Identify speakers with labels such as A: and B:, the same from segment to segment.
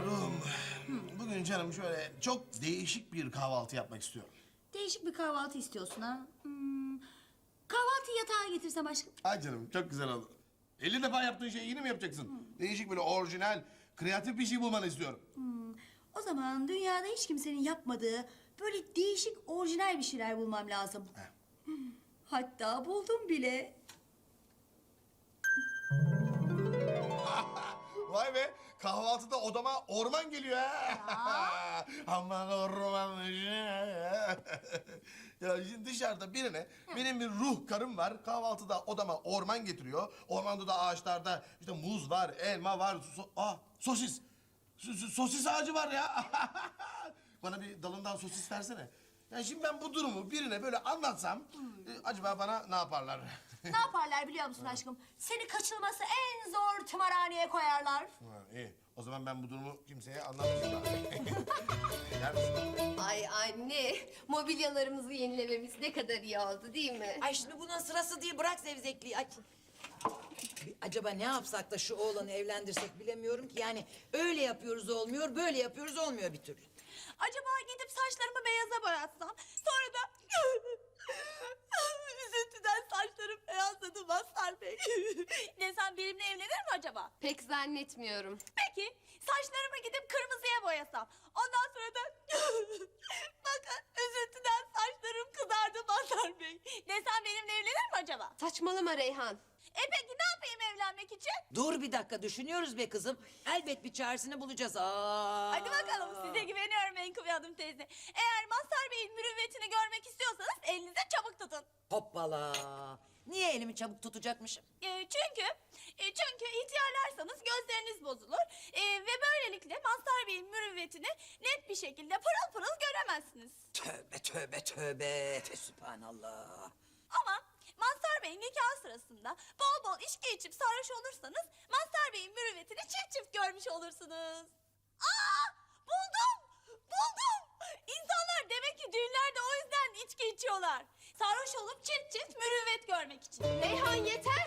A: Ruhum, bugün canım şöyle çok değişik bir kahvaltı yapmak istiyorum.
B: Değişik bir kahvaltı istiyorsun ha? Kahvaltıyı yatağa getirsem aşkım.
A: Ay canım çok güzel oldu. 50 defa yaptığın şeyi yine mi yapacaksın? Değişik böyle orijinal, kreatif bir şey bulmanı istiyorum.
B: O zaman dünyada hiç kimsenin yapmadığı böyle değişik orijinal bir şeyler bulmam lazım. Hatta buldum bile.
A: Vay be, kahvaltıda odama orman geliyor ha. Aman orman. Ya şimdi dışarıda birine benim bir ruh karım var. Kahvaltıda odama orman getiriyor. Ormanda da ağaçlarda işte muz var, elma var, sosis. Sosis ağacı var ya. Bana bir dalından sosis versene. Yani şimdi ben bu durumu birine böyle anlatsam acaba bana ne yaparlar?
B: Ne yaparlar biliyor musun aşkım? Seni kaçılması en zor tımarhaneye koyarlar.
A: Ha, iyi. O zaman ben bu durumu kimseye anlatmayacağım. Gider misin?
C: Ay anne, mobilyalarımızı yenilememiz ne kadar iyi oldu değil mi?
D: Ay şimdi bunun sırası değil, bırak zevzekliği. Ay. Acaba ne yapsak da şu oğlanı evlendirsek bilemiyorum ki. Yani öyle yapıyoruz olmuyor, böyle yapıyoruz olmuyor bir türlü.
E: Acaba gidip saçlarımı beyaza boyatsam, sonra da üzüntüden saçlarım beyazladı Mazhar Bey desem benimle evlenir mi acaba?
C: Pek zannetmiyorum.
E: Peki saçlarımı gidip kırmızıya boyasam, ondan sonra da bakın üzüntüden saçlarım kızardı Mazhar Bey desem benimle evlenir mi acaba?
C: Saçmalama Reyhan.
E: Peki ne yapayım evlenmek için?
D: Dur bir dakika, düşünüyoruz be kızım. Elbet bir çaresini bulacağız. Aa.
E: Hadi bakalım, size güveniyorum Menkıbe Hanım teyze. Eğer Mazhar Bey'in mürüvvetini görmek istiyorsanız elinize çabuk tutun.
D: Hoppala. Niye elimi çabuk tutacakmışım?
E: Çünkü ihtiyarlarsanız gözleriniz bozulur ve böylelikle Mazhar Bey'in mürüvvetini net bir şekilde pırıl pırıl göremezsiniz.
D: Tövbe tövbe tövbe. Fesübhanallah.
E: Ama Mazhar Bey'in nikah sırasında bol bol içki içip sarhoş olursanız Mazhar Bey'in mürüvvetini çift çift görmüş olursunuz. Aa! Buldum! Buldum! İnsanlar demek ki düğünlerde o yüzden içki içiyorlar. Sarhoş olup çift çift mürüvvet görmek için.
C: Reyhan yeter.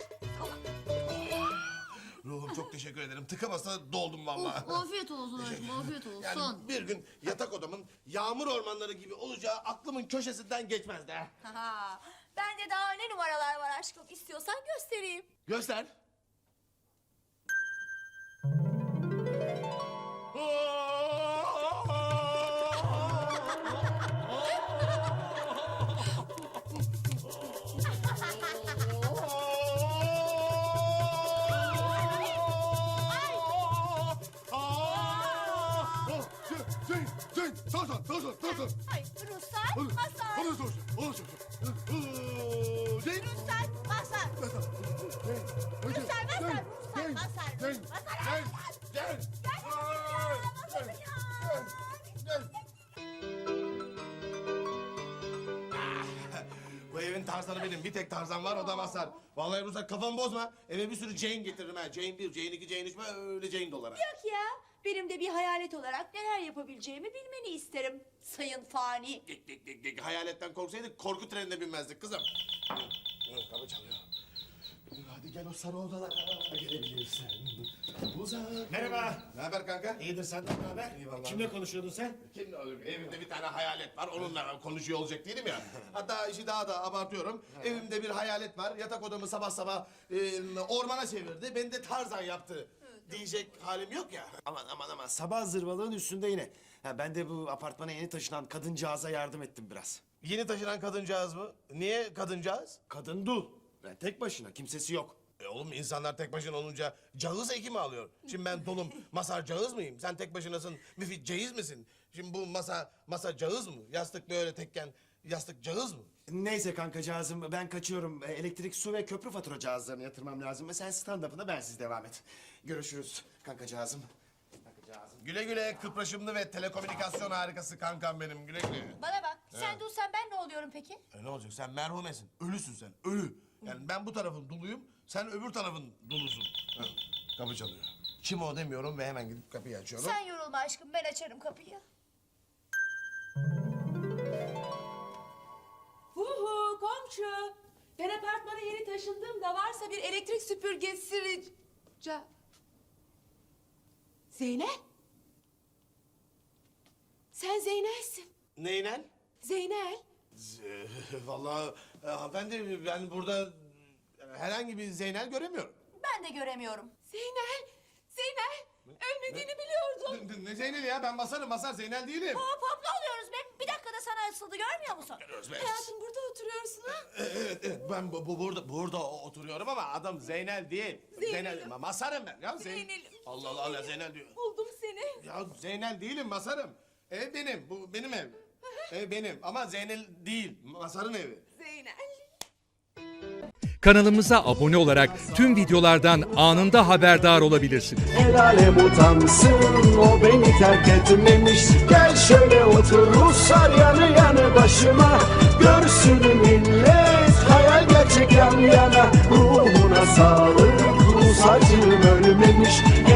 A: Ruhum çok teşekkür ederim. Tıka basa doldum vallahi.
B: Afiyet olsun aşkım, afiyet olsun.
A: Yani bir gün yatak odamın yağmur ormanları gibi olacağı aklımın köşesinden geçmezdi. Ha.
E: Ha, bende daha ne numaralar var aşkım, istiyorsan göstereyim.
A: Göster.
E: Ay, Ruslar, Mazhar. Ruslar, Mazhar. Ruslar, Mazhar. Ruslar, Mazhar.
A: Bu evin Tarzanı benim. Bir tek Tarzan var, o da Mazhar. Vallahi Ruslar kafamı bozma. Eve bir sürü Jane getiririm ha. Jane 1, Jane 2, Jane 3 böyle Jane dolar ha.
B: Yok ya, benim de bir hayalet olarak neler yapabileceğimi bilmeni isterim. Sayın fani.
A: Hayaletten korksaydık korku trenine binmezdik kızım. Kapı çalıyor. Hadi gel o sarı odalara gelebilirsin. Uzak.
F: Merhaba.
A: Ne haber kanka?
F: İyidir, senden ne haber?
A: İyi vallahi.
F: Kimle konuşuyordun sen?
A: Kim evimde bir tane hayalet var, onunla konuşuyor olacak değilim ya. Hatta işi daha da abartıyorum. Evimde bir hayalet var, yatak odamı sabah sabah ormana çevirdi. Beni de Tarzan yaptı diyecek halim yok ya.
F: Aman sabah zırvalığın üstünde yine. Ha, ben de bu apartmana yeni taşınan kadıncağıza yardım ettim biraz.
A: Yeni taşınan kadıncağız mı? Niye kadıncağız?
F: Kadın dul. Yani tek başına, kimsesi yok.
A: Oğlum insanlar tek başına olunca cağız eki mi alıyor? Şimdi ben dolum Mazhar cağız mıyım? Sen tek başınasın Müfit ceyiz misin? Şimdi bu masa cağız mı? Yastık böyle tekken yastık cağız mı?
F: Neyse kankacağızım, ben kaçıyorum. Elektrik, su ve köprü fatura cihazlarını yatırmam lazım. Sen stand-up'ına, ben siz devam et. Görüşürüz kankacağızım. Kankacağızım.
A: Güle güle kıpraşımlı ve telekomünikasyon harikası kankam benim, güle güle.
B: Bana bak, sen dulsan ben ne oluyorum peki?
A: Ne olacak, sen merhumesin, ölüsün sen, ölü. Yani ben bu tarafın duluyum, sen öbür tarafın dulusun. Ha, kapı çalıyor. Kim o demiyorum ve hemen gidip kapıyı açıyorum.
B: Sen yorulma aşkım, ben açarım kapıyı.
G: Huhu komşu. Ben apartmana yeni taşındığımda varsa bir elektrik süpürgesi rica... Zeynep? Sen Zeynel'sin.
A: Neyle?
G: Zeynel.
A: Vallahi hanımefendi ben burada herhangi bir Zeynel göremiyorum.
B: Ben de göremiyorum.
G: Zeynel. Zeynel. Ölmediğini biliyordum.
A: Ne Zeynel ya? Ben Masar Zeynel değilim.
B: Hop hop ne oluyoruz be? Bir dakikada sana asıldı görmüyor musun?
G: Hayatım burada oturuyorsun ha?
A: Evet ben burada oturuyorum ama adım Zeynel değil.
G: Zeynel'im.
A: Masarım ben ya.
G: Zeynel'im.
A: Allah Zeynel diyor.
G: Buldum seni.
A: Ya Zeynel değilim Masarım. Ev benim. Bu benim ev. Ev benim ama Zeynel değil. Masar'ın evi.
G: Zeynel.
H: Kanalımıza abone olarak tüm videolardan anında haberdar olabilirsiniz.
I: El alem utansın, o beni terk etmemiş. Gel şöyle otur Ruslar yanı yanı başıma. Görsün millet hayal gerçek yan yana. Ruhuna sağlık, Rus acım ölmemiş.